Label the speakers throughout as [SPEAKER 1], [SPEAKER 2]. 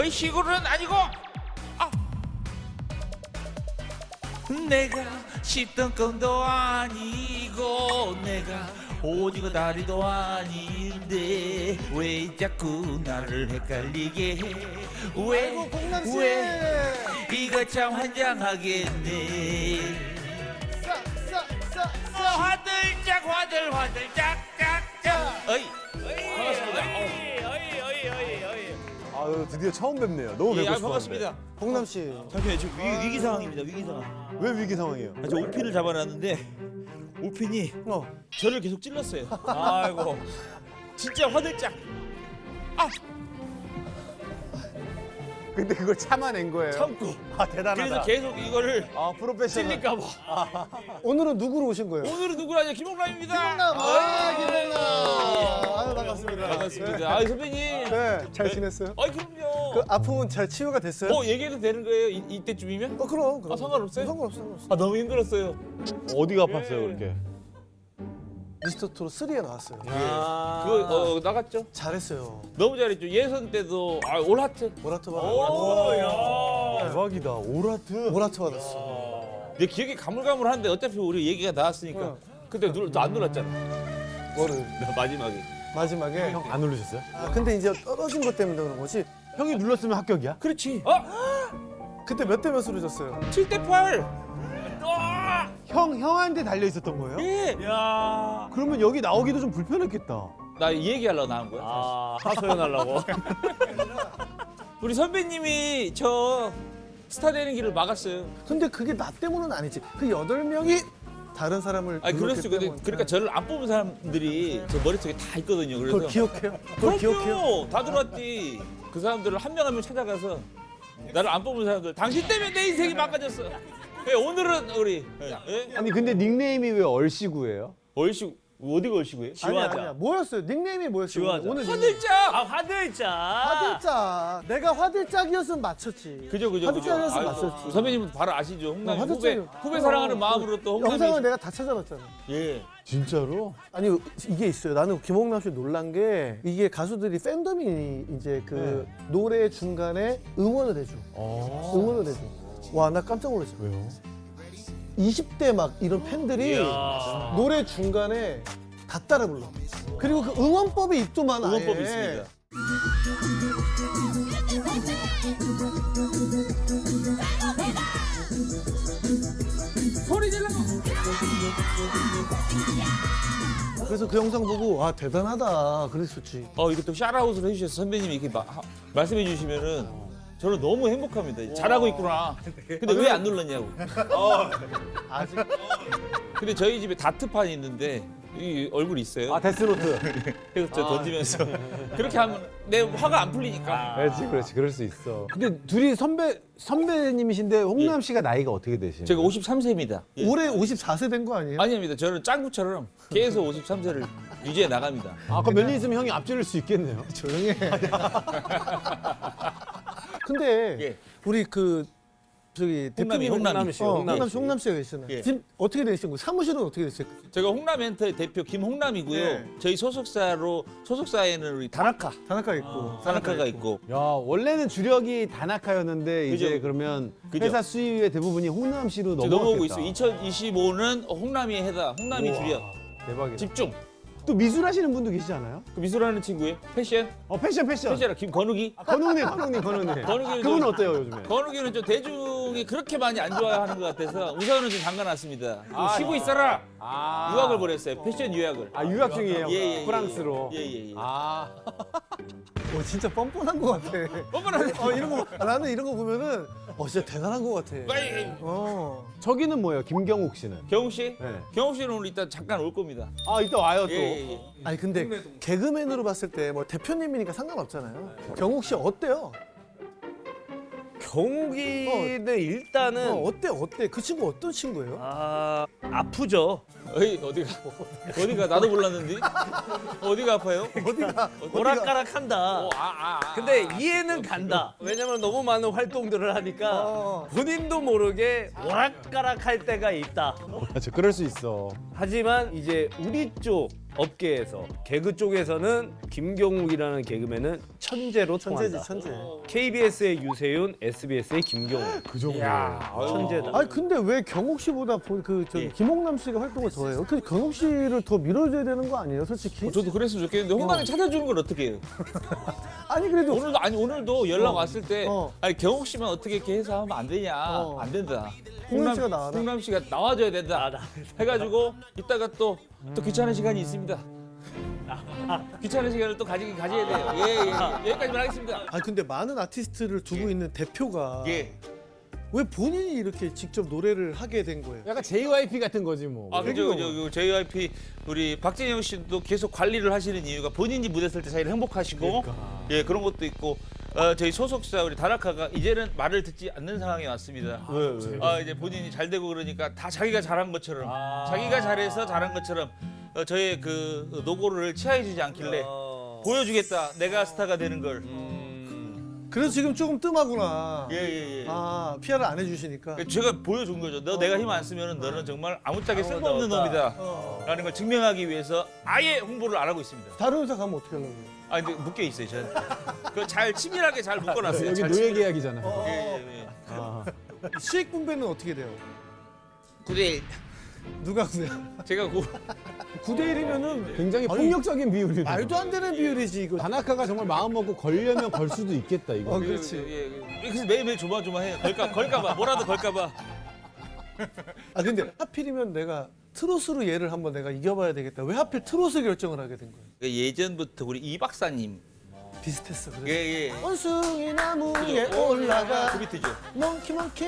[SPEAKER 1] 거의 시골은 아니고 내가 씹던 껌도 아니고 내가 오징어 다리도 아닌데 왜 자꾸 나를 헷갈리게 해 왜 이거 참 환장하겠네 화들짝 짝짝짝 어이 반갑습니다
[SPEAKER 2] 아유 드디어 처음 뵙네요. 너무 뵙고 싶었는데.
[SPEAKER 1] 반갑습니다
[SPEAKER 3] 홍남 씨.
[SPEAKER 1] 잠시만요 지금 위기 상황입니다 위기 상황
[SPEAKER 2] 왜 위기 상황이에요?
[SPEAKER 1] 저 오핀을 잡아놨는데 오핀이 저를 계속 찔렀어요. 아이고 진짜 화들짝.
[SPEAKER 2] 근데 그걸 참아낸 거예요.
[SPEAKER 1] 참고.
[SPEAKER 2] 아 대단하다.
[SPEAKER 1] 그래서 계속 이거를
[SPEAKER 2] 아 프로페셔널.
[SPEAKER 1] 찔릴까봐.
[SPEAKER 3] 오늘은 누구로 오신 거예요?
[SPEAKER 1] 오늘은 누구라냐 김홍남입니다.
[SPEAKER 3] 김홍남. 김홍남. 아유 반갑습니다.
[SPEAKER 1] 반갑습니다. 아 선배님.
[SPEAKER 3] 네, 잘 지냈어요?
[SPEAKER 1] 그럼요.
[SPEAKER 3] 그 아픔은 잘 치유가 됐어요?
[SPEAKER 1] 얘기해도 되는 거예요? 이때쯤이면?
[SPEAKER 3] 그럼.
[SPEAKER 1] 상관없어요?
[SPEAKER 3] 상관없어.
[SPEAKER 1] 너무 힘들었어요.
[SPEAKER 2] 어디가 아팠어요 그렇게?
[SPEAKER 3] 미스터 트롯 3에 나왔어요.
[SPEAKER 1] 그거 나갔죠?
[SPEAKER 3] 잘했어요.
[SPEAKER 1] 너무 잘했죠. 예선 때도 올 하트.
[SPEAKER 3] 모라토
[SPEAKER 1] 야.
[SPEAKER 2] 대박이다. 오라트.
[SPEAKER 3] 모라토 받았어.
[SPEAKER 1] 내 기억이 가물가물한데 어차피 우리 얘기가 나왔으니까. 근데 안 놀랐잖아.
[SPEAKER 3] 뭐를
[SPEAKER 1] 마지막에.
[SPEAKER 3] 마지막에.
[SPEAKER 2] 형 안 누르셨어요?
[SPEAKER 3] 근데 이제 떨어진 것 때문에 그런 거지.
[SPEAKER 2] 형이 눌렀으면 합격이야?
[SPEAKER 1] 그렇지.
[SPEAKER 3] 그때 몇 대 몇으로 졌어요?
[SPEAKER 1] 7대8.
[SPEAKER 2] 형한테 달려 있었던 거예요?
[SPEAKER 1] 예. 야.
[SPEAKER 2] 그러면 여기 나오기도 좀 불편했겠다.
[SPEAKER 1] 나 이 얘기하려고 나온 거야.
[SPEAKER 4] 하소연하려고.
[SPEAKER 1] 우리 선배님이 저 스타 되는 길을 막았어요.
[SPEAKER 3] 근데 그게 나 때문은 아니지. 그 8명이 다른 사람을
[SPEAKER 1] 아니 그럴
[SPEAKER 3] 눌렀기
[SPEAKER 1] 수 있거든.
[SPEAKER 3] 때문에.
[SPEAKER 1] 그러니까 저를 안 뽑은 사람들이 제 머릿속에 다 있거든요. 그래서
[SPEAKER 3] 그걸 기억해요? 그걸 기억해요?
[SPEAKER 1] 그럼요. 다 들어왔지. 그 사람들을 한 명 한 명 찾아가서 나를 안 뽑은 사람들 당신 때문에 내 인생이 망가졌어. 예, 오늘은 우리 예?
[SPEAKER 2] 아니 근데 닉네임이 왜 얼씨구예요?
[SPEAKER 1] 얼씨구 어디가 얼씨구예요?
[SPEAKER 3] 아니야. 뭐였어요? 닉네임이 뭐였어요?
[SPEAKER 4] 지화자.
[SPEAKER 3] 오늘
[SPEAKER 1] 화들짝.
[SPEAKER 4] 화들짝.
[SPEAKER 3] 화들짝. 내가 화들짝이었으면 맞췄지.
[SPEAKER 1] 그죠.
[SPEAKER 3] 화들짝이었으면
[SPEAKER 1] 아이고,
[SPEAKER 3] 맞췄지.
[SPEAKER 1] 선배님은 바로 아시죠. 홍남
[SPEAKER 3] 화들짝이요.
[SPEAKER 1] 후배 사랑하는 마음으로 또 홍남이
[SPEAKER 3] 영상을 내가 다 찾아봤잖아.
[SPEAKER 1] 예.
[SPEAKER 2] 진짜로?
[SPEAKER 3] 아니 이게 있어요. 나는 김홍남 씨 놀란 게 이게 가수들이 팬덤이 이제 그 노래 중간에 응원을 해줘. 응원을 해줘. 와 나 깜짝 놀랐어.
[SPEAKER 2] 왜요?
[SPEAKER 3] 20대 막 이런 팬들이
[SPEAKER 4] 이야.
[SPEAKER 3] 노래 중간에 다 따라 불러. 그리고 그 응원법이 있더만 아예.
[SPEAKER 1] 응원법이 있습니다. 소리 질러.
[SPEAKER 3] 그래서 그 영상 보고 아 대단하다 그랬었지.
[SPEAKER 1] 이것도 샤라웃을 해주셔서 선배님이 이렇게 말씀해 주시면은 저는 너무 행복합니다. 잘하고 있구나. 근데 왜 안 눌렀냐고.
[SPEAKER 3] 아직
[SPEAKER 1] 근데 저희 집에 다트판이 있는데 이 얼굴 있어요.
[SPEAKER 2] 아 데스노트.
[SPEAKER 1] 그래서 저 던지면서 그렇게 하면 내 화가 안 풀리니까.
[SPEAKER 2] 그렇지 그럴 수 있어. 근데 둘이 선배님이신데 홍남 씨가 나이가 어떻게 되시나요?
[SPEAKER 1] 제가 53세입니다.
[SPEAKER 3] 올해 54세 된 거 아니에요?
[SPEAKER 1] 아닙니다. 저는 짱구처럼 계속 53세를 유지해 나갑니다.
[SPEAKER 2] 아까 몇 년 있으면 형이 앞지를 수 있겠네요.
[SPEAKER 3] 조용히 해. 근데
[SPEAKER 1] 예.
[SPEAKER 3] 우리 그 저기 대표님
[SPEAKER 1] 홍남이.
[SPEAKER 3] 홍남 씨가 계시잖아요.
[SPEAKER 1] 예.
[SPEAKER 3] 지금 어떻게 되신 거예요? 사무실은 어떻게 됐어요?
[SPEAKER 1] 제가 홍남엔터의 대표 김홍남이고요.
[SPEAKER 3] 네.
[SPEAKER 1] 저희 소속사에는 우리 다나카,
[SPEAKER 3] 다나카 있고
[SPEAKER 1] 다나카가 있고.
[SPEAKER 2] 야 원래는 주력이 다나카였는데 이제
[SPEAKER 1] 그죠.
[SPEAKER 2] 그러면
[SPEAKER 1] 그죠.
[SPEAKER 2] 회사 수입의 대부분이 홍남 씨로
[SPEAKER 1] 지금
[SPEAKER 2] 넘어가겠다.
[SPEAKER 1] 넘어오고 있어요. 2025는 홍남이 해다. 홍남이
[SPEAKER 2] 우와,
[SPEAKER 1] 주력.
[SPEAKER 2] 대박이다.
[SPEAKER 1] 집중.
[SPEAKER 2] 또 미술 하시는 분도 계시지 않아요?
[SPEAKER 1] 그 미술하는 친구예요. 패션.
[SPEAKER 2] 패션.
[SPEAKER 1] 패션이라 김건욱이.
[SPEAKER 2] 건웅님.
[SPEAKER 1] 건웅이는
[SPEAKER 2] 그분
[SPEAKER 1] 좀-
[SPEAKER 2] 어때요 요즘에?
[SPEAKER 1] 건욱이는 좀 대중이 그렇게 많이 안 좋아하는 것 같아서 우선은 좀 잠가놨습니다. 좀 쉬고 있어라. 유학을 보냈어요. 패션 유학을.
[SPEAKER 2] 유학 중이에요.
[SPEAKER 1] 예.
[SPEAKER 2] 프랑스로.
[SPEAKER 1] 예.
[SPEAKER 3] 진짜 뻔뻔한 거 같아.
[SPEAKER 1] 뻔뻔하네.
[SPEAKER 3] 이런 거 나는 이런 거 보면은 진짜 대단한 거 같아.
[SPEAKER 2] 저기는 뭐예요? 김경욱 씨는?
[SPEAKER 1] 경욱 씨?
[SPEAKER 2] 네.
[SPEAKER 1] 경욱 씨는 오늘 이따 잠깐 올 겁니다.
[SPEAKER 2] 이따 와요 또.
[SPEAKER 1] 예.
[SPEAKER 3] 아니 근데 개그맨으로 봤을 때 뭐 대표님이니까 상관없잖아요. 경욱 씨 어때요?
[SPEAKER 4] 경욱이는 일단은
[SPEAKER 3] 어때? 그 친구 어떤 친구예요?
[SPEAKER 4] 아프죠.
[SPEAKER 1] 어디가 나도 몰랐는데 어디가 아파요?
[SPEAKER 4] 오락가락한다. 근데 이해는 간다. 왜냐면 너무 많은 활동들을 하니까 본인도 모르게 오락가락할 때가 있다.
[SPEAKER 2] 맞아, 그럴 수 있어.
[SPEAKER 4] 하지만 이제 우리 쪽 업계에서 개그 쪽에서는 김경욱이라는 개그맨은 천재로 통한다.
[SPEAKER 3] 천재지 천재.
[SPEAKER 4] KBS의 유세윤, SBS의 김경욱.
[SPEAKER 2] 그 정도.
[SPEAKER 4] 천재다.
[SPEAKER 3] 아니 근데 왜 경욱 씨보다
[SPEAKER 1] 예.
[SPEAKER 3] 김홍남 씨가 활동을 더해요? 그 경욱 씨를 더 밀어줘야 되는 거 아니에요, 솔직히?
[SPEAKER 1] 저도 그랬으면 좋겠는데 홍남이 찾아주는 걸 어떻게 해요?
[SPEAKER 3] 아니 그래도
[SPEAKER 1] 오늘도 연락 왔을 때
[SPEAKER 3] 어.
[SPEAKER 1] 아니 경욱 씨만 어떻게 이렇게 해서 하면 안 되냐? 안 된다.
[SPEAKER 3] 홍남 씨가 나와라.
[SPEAKER 1] 홍남 씨가 나와줘야 된다. 해가지고 이따가 또 귀찮은 시간이 있습니다. 귀찮은 시간을 또 가져야 돼요. 예. 여기까지만 하겠습니다.
[SPEAKER 3] 아니 근데 많은 아티스트를 두고 있는 대표가
[SPEAKER 1] 예.
[SPEAKER 3] 왜 본인이 이렇게 직접 노래를 하게 된 거예요?
[SPEAKER 2] 약간 JYP 같은 거지 뭐.
[SPEAKER 1] 아, 그죠. JYP 우리 박진영 씨도 계속 관리를 하시는 이유가 본인이 무대 설 때 자기를 행복하시고 예, 그런 것도 있고 저희 소속사 우리 다나카가 이제는 말을 듣지 않는 상황이 왔습니다. 왜? 이제 본인이 잘 되고 그러니까 다 자기가 잘한 것처럼 자기가 잘해서 잘한 것처럼 저의 그 노고를 치하해주지 않길래 보여주겠다. 내가 스타가 되는 걸.
[SPEAKER 3] 그래서 지금 조금 뜸하구나.
[SPEAKER 1] 예.
[SPEAKER 3] 아 PR을 안 해주시니까.
[SPEAKER 1] 제가 보여준 거죠. 내가 힘 안 쓰면 너는 정말 아무짝에 쓸모없는 놈이다. 라는 걸 증명하기 위해서 아예 홍보를 안 하고 있습니다.
[SPEAKER 3] 다른 회사 가면 어떻게 하려고?
[SPEAKER 1] 아 근데 묶여 있어요 저한테. 그 잘 치밀하게 잘 묶어놨어요.
[SPEAKER 2] 여기
[SPEAKER 1] 잘
[SPEAKER 2] 노예
[SPEAKER 1] 치밀-
[SPEAKER 2] 계약이잖아.
[SPEAKER 1] 예.
[SPEAKER 3] 수익 분배는 어떻게 돼요?
[SPEAKER 1] 9대1.
[SPEAKER 3] 누가 그래?
[SPEAKER 1] 제가
[SPEAKER 3] 9대 1이면은
[SPEAKER 2] 굉장히 폭력적인 비율이네.
[SPEAKER 3] 말도 안 되는 비율이지 이거.
[SPEAKER 2] 다나카가 정말 마음 먹고 걸려면 걸 수도 있겠다 이거.
[SPEAKER 3] 그렇지.
[SPEAKER 1] 그래서 매일매일 조마조마해요. 걸까봐 뭐라도 걸까봐.
[SPEAKER 3] 아 근데 하필이면 내가 트로트로 얘를 한번 내가 이겨봐야 되겠다. 왜 하필 트로트 결정을 하게 된 거야?
[SPEAKER 1] 예전부터 우리 이 박사님.
[SPEAKER 3] 비슷했어. 그래서.
[SPEAKER 1] 예.
[SPEAKER 3] 원숭이 나무에 올라가
[SPEAKER 1] 그 비트죠.
[SPEAKER 3] 몽키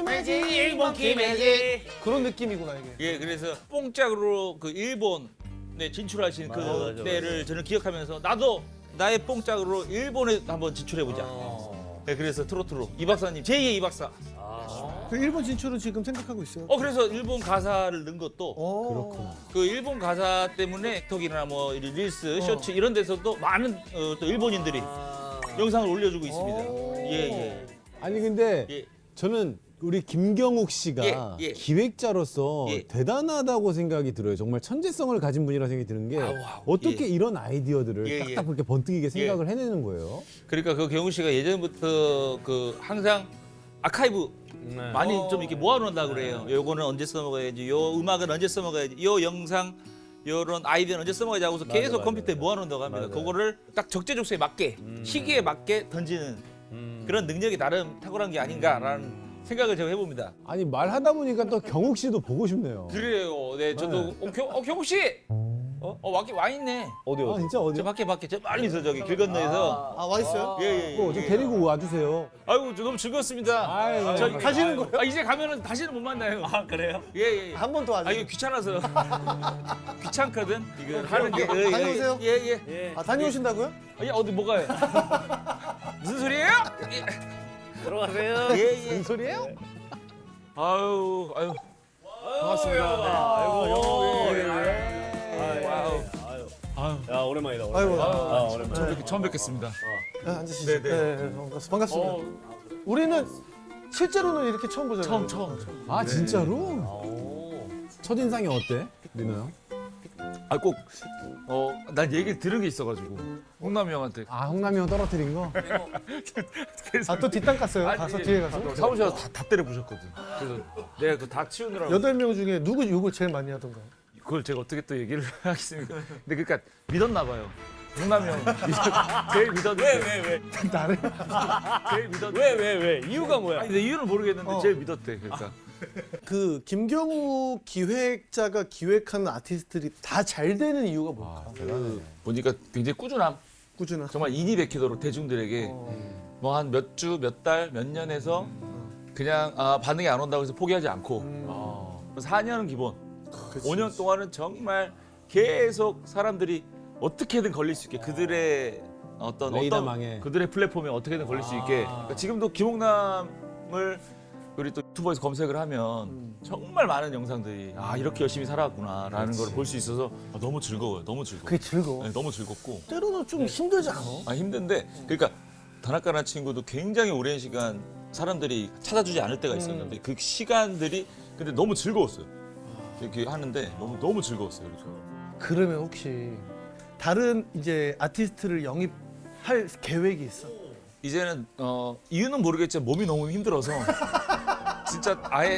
[SPEAKER 3] 매직 그런 느낌이구나 이게.
[SPEAKER 1] 예, 그래서 뽕짝으로 그 일본에 진출하신 그 때를 저는 기억하면서 나도 나의 뽕짝으로 일본에 한번 진출해보자. 네, 그래서 트로트로 이 박사님 제2의 이 박사.
[SPEAKER 3] 그 일본 진출은 지금 생각하고 있어요.
[SPEAKER 1] 그래서 일본 가사를 넣은 것도
[SPEAKER 3] 그렇구나.
[SPEAKER 1] 그 일본 가사 때문에 톡이나 뭐 릴스, 쇼츠 이런 데서도 많은 또 일본인들이 영상을 올려주고 있습니다. 예.
[SPEAKER 2] 아니 근데
[SPEAKER 1] 예.
[SPEAKER 2] 저는 우리 김경욱 씨가
[SPEAKER 1] 예.
[SPEAKER 2] 기획자로서
[SPEAKER 1] 예.
[SPEAKER 2] 대단하다고 생각이 들어요. 정말 천재성을 가진 분이라 생각이 드는 게 어떻게
[SPEAKER 1] 예.
[SPEAKER 2] 이런 아이디어들을
[SPEAKER 1] 예.
[SPEAKER 2] 딱딱 그렇게 번뜩이게 생각을 해내는 거예요.
[SPEAKER 1] 그러니까 그 경우 씨가 예전부터 그 항상 아카이브 많이 좀 이렇게 모아놓는다 그래요. 요거는 언제 써먹어야지, 요 음악은 언제 써먹어야지, 요 영상, 요런 아이디어는 언제 써먹어야지 하고서 계속 컴퓨터에 모아놓는다고 합니다. 그거를 딱 적재적소에 맞게, 시기에 맞게 던지는 그런 능력이 나름 탁월한 게 아닌가라는 생각을 제가 해봅니다.
[SPEAKER 2] 아니 말하다 보니까 또 경욱 씨도 보고 싶네요.
[SPEAKER 1] 그래요. 네, 저도 경우 씨, 와 있네.
[SPEAKER 2] 아 진짜 어디?
[SPEAKER 1] 저 밖에 저 멀리서 저기 길 건너에서.
[SPEAKER 3] 와 있어요?
[SPEAKER 1] 예.
[SPEAKER 2] 좀 데리고 와주세요.
[SPEAKER 1] 아이고 저 너무 즐거웠습니다.
[SPEAKER 2] 아이고,
[SPEAKER 1] 저기
[SPEAKER 3] 가시는 거예요?
[SPEAKER 1] 이제 가면은 다시는 못 만나요. 아 그래요? 예.
[SPEAKER 3] 한 번 더 와줘.
[SPEAKER 1] 이거 귀찮아서 귀찮거든 이거 하는 게.
[SPEAKER 3] 다녀오세요.
[SPEAKER 1] 예.
[SPEAKER 3] 아 다녀오신다고요?
[SPEAKER 1] 어디 뭐 가요? 무슨 소리예요?
[SPEAKER 4] 들어가세요.
[SPEAKER 1] 예.
[SPEAKER 2] 무슨 소리예요?
[SPEAKER 1] 아유. 반갑습니다.
[SPEAKER 4] 야 오랜만이다.
[SPEAKER 3] 아이고.
[SPEAKER 4] 오랜만에.
[SPEAKER 1] 처음 뵙겠습니다.
[SPEAKER 3] 앉으시죠. 네, 반갑습니다. 우리는 실제로는 이렇게 처음 보잖아요.
[SPEAKER 1] 처음.
[SPEAKER 2] 아 진짜로? 첫인상이 어때, 리노 형?
[SPEAKER 1] 난 얘기를 들은 게 있어가지고 홍남이 형한테.
[SPEAKER 2] 아 홍남이 형 떨어뜨린 거?
[SPEAKER 3] 아 또 뒷땅 깠어요? 가서 뒤에 가서?
[SPEAKER 1] 사무실에서 다 때려 부셨거든. 그래서 내가 그 다 치우느라고.
[SPEAKER 3] 8명 중에 누구 욕을 제일 많이 하던가요?
[SPEAKER 1] 그걸 제가 어떻게 또 얘기를 하겠습니까? 근데 그러니까 믿었나 봐요. 홍남이 형 제일 믿었는데.
[SPEAKER 4] 왜?
[SPEAKER 3] 나를?
[SPEAKER 1] 제일 믿었는데.
[SPEAKER 4] 왜? 이유가 뭐야?
[SPEAKER 1] 아니 근데 이유는 모르겠는데 제일 믿었대. 그러니까.
[SPEAKER 3] 그 김경욱 기획자가 기획하는 아티스트들이 다 잘 되는 이유가 뭘까?
[SPEAKER 2] 대단해.
[SPEAKER 1] 보니까 굉장히 꾸준함.
[SPEAKER 3] 꾸준한.
[SPEAKER 1] 정말 인이 베키도록 대중들에게 뭐 한 몇 주, 몇 달, 몇 년에서 그냥 반응이 안 온다고 해서 포기하지 않고 4년은 기본. 5년 동안은 정말 계속 사람들이 어떻게든 걸릴 수 있게 그들의
[SPEAKER 2] 레이더망에.
[SPEAKER 1] 그들의 플랫폼에 어떻게든 걸릴 수 있게. 그러니까 지금도 김홍남을 우리 또 유튜버에서 검색을 하면 정말 많은 영상들이 이렇게 열심히 살아왔구나라는 걸 볼 수 있어서 너무 즐거워요. 너무 즐거워.
[SPEAKER 3] 그게 즐거워.
[SPEAKER 1] 네, 너무 즐겁고.
[SPEAKER 3] 때로는 좀 힘들지 않아?
[SPEAKER 1] 힘든데 그러니까 다나카라는 친구도 굉장히 오랜 시간 사람들이 찾아주지 않을 때가 있었는데 그 시간들이 근데 너무 즐거웠어요. 이렇게 하는데 너무 즐거웠어요. 그래서.
[SPEAKER 3] 그러면 혹시 다른 이제 아티스트를 영입할 계획이 있어?
[SPEAKER 1] 이제는 이유는 모르겠지만 몸이 너무 힘들어서 진짜 아예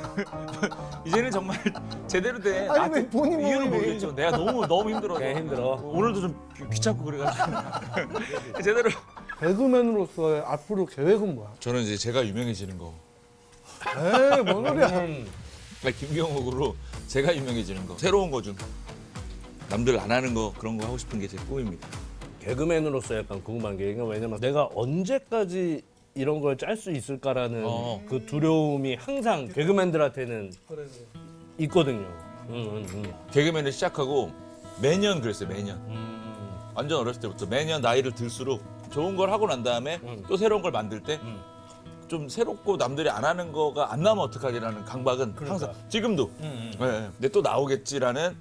[SPEAKER 1] 이제는 정말 제대로 된
[SPEAKER 3] 아니, 왜 본인 몸이
[SPEAKER 1] 이유는
[SPEAKER 3] 왜
[SPEAKER 1] 모르겠지만 내가 너무 힘들어서
[SPEAKER 4] 그냥 힘들어.
[SPEAKER 1] 오늘도 좀 귀찮고 그래가지고 제대로
[SPEAKER 3] 개그맨으로서의 앞으로 계획은 뭐야?
[SPEAKER 1] 저는 이제 제가 유명해지는 거
[SPEAKER 3] 에이, 뭔 소리야?
[SPEAKER 1] 김경옥으로 제가 유명해지는 거 새로운 거 좀 남들 안 하는 거 그런 거 하고 싶은 게 제 꿈입니다.
[SPEAKER 4] 개그맨으로서 약간 궁금한 게 왜냐면 내가 언제까지 이런 걸 짤 수 있을까라는 그 두려움이 항상 개그맨들한테는 있거든요.
[SPEAKER 1] 개그맨을 시작하고 매년 그랬어요. 매년 완전 어렸을 때부터 매년 나이를 들수록 좋은 걸 하고 난 다음에 또 새로운 걸 만들 때 좀 새롭고 남들이 안 하는 거가 안 나면 어떡하지라는 강박은 항상 지금도 네, 근데 또 나오겠지라는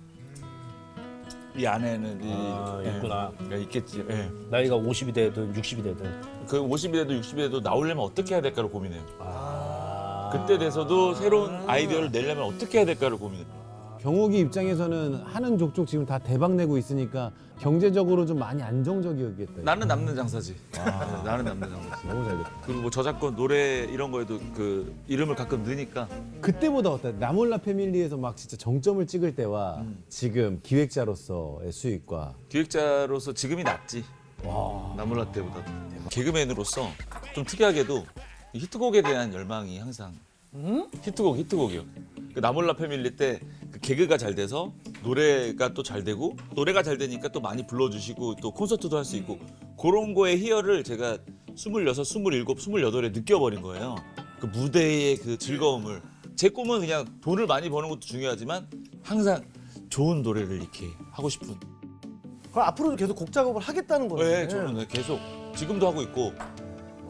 [SPEAKER 1] 이 안에는
[SPEAKER 4] 있구나.
[SPEAKER 1] 있겠지. 예.
[SPEAKER 4] 나이가 50이 되든 60이 되든.
[SPEAKER 1] 그 50이 돼도 60이 돼도 나오려면 어떻게 해야 될까를 고민해요.
[SPEAKER 4] 아.
[SPEAKER 1] 그때 돼서도 새로운 아이디어를 내려면 어떻게 해야 될까를 고민해요.
[SPEAKER 2] 경욱이 입장에서는 하는 족족 지금 다 대박 내고 있으니까 경제적으로 좀 많이 안정적이었겠다.
[SPEAKER 1] 나는 남는 장사지. 나는 남는 장사지.
[SPEAKER 2] 너무 잘 됐다.
[SPEAKER 1] 그리고 뭐 저작권 노래 이런 거에도 그 이름을 가끔 넣으니까
[SPEAKER 2] 그때보다 어때? 나몰라 패밀리에서 막 진짜 정점을 찍을 때와 지금 기획자로서의 수익과
[SPEAKER 1] 기획자로서 지금이 낫지. 나몰라 때보다. 개그맨으로서 좀 특이하게도 이 히트곡에 대한 열망이 항상 히트곡이요. 그 나몰라 패밀리 때 그 개그가 잘 돼서 노래가 또 잘 되고 노래가 잘 되니까 또 많이 불러주시고 또 콘서트도 할 수 있고 그런 거에 희열을 제가 26, 27, 28에 느껴버린 거예요. 그 무대의 그 즐거움을. 제 꿈은 그냥 돈을 많이 버는 것도 중요하지만 항상 좋은 노래를 이렇게 하고 싶은.
[SPEAKER 3] 그럼 앞으로도 계속 곡 작업을 하겠다는 거네.
[SPEAKER 1] 네, 저는 계속 지금도 하고 있고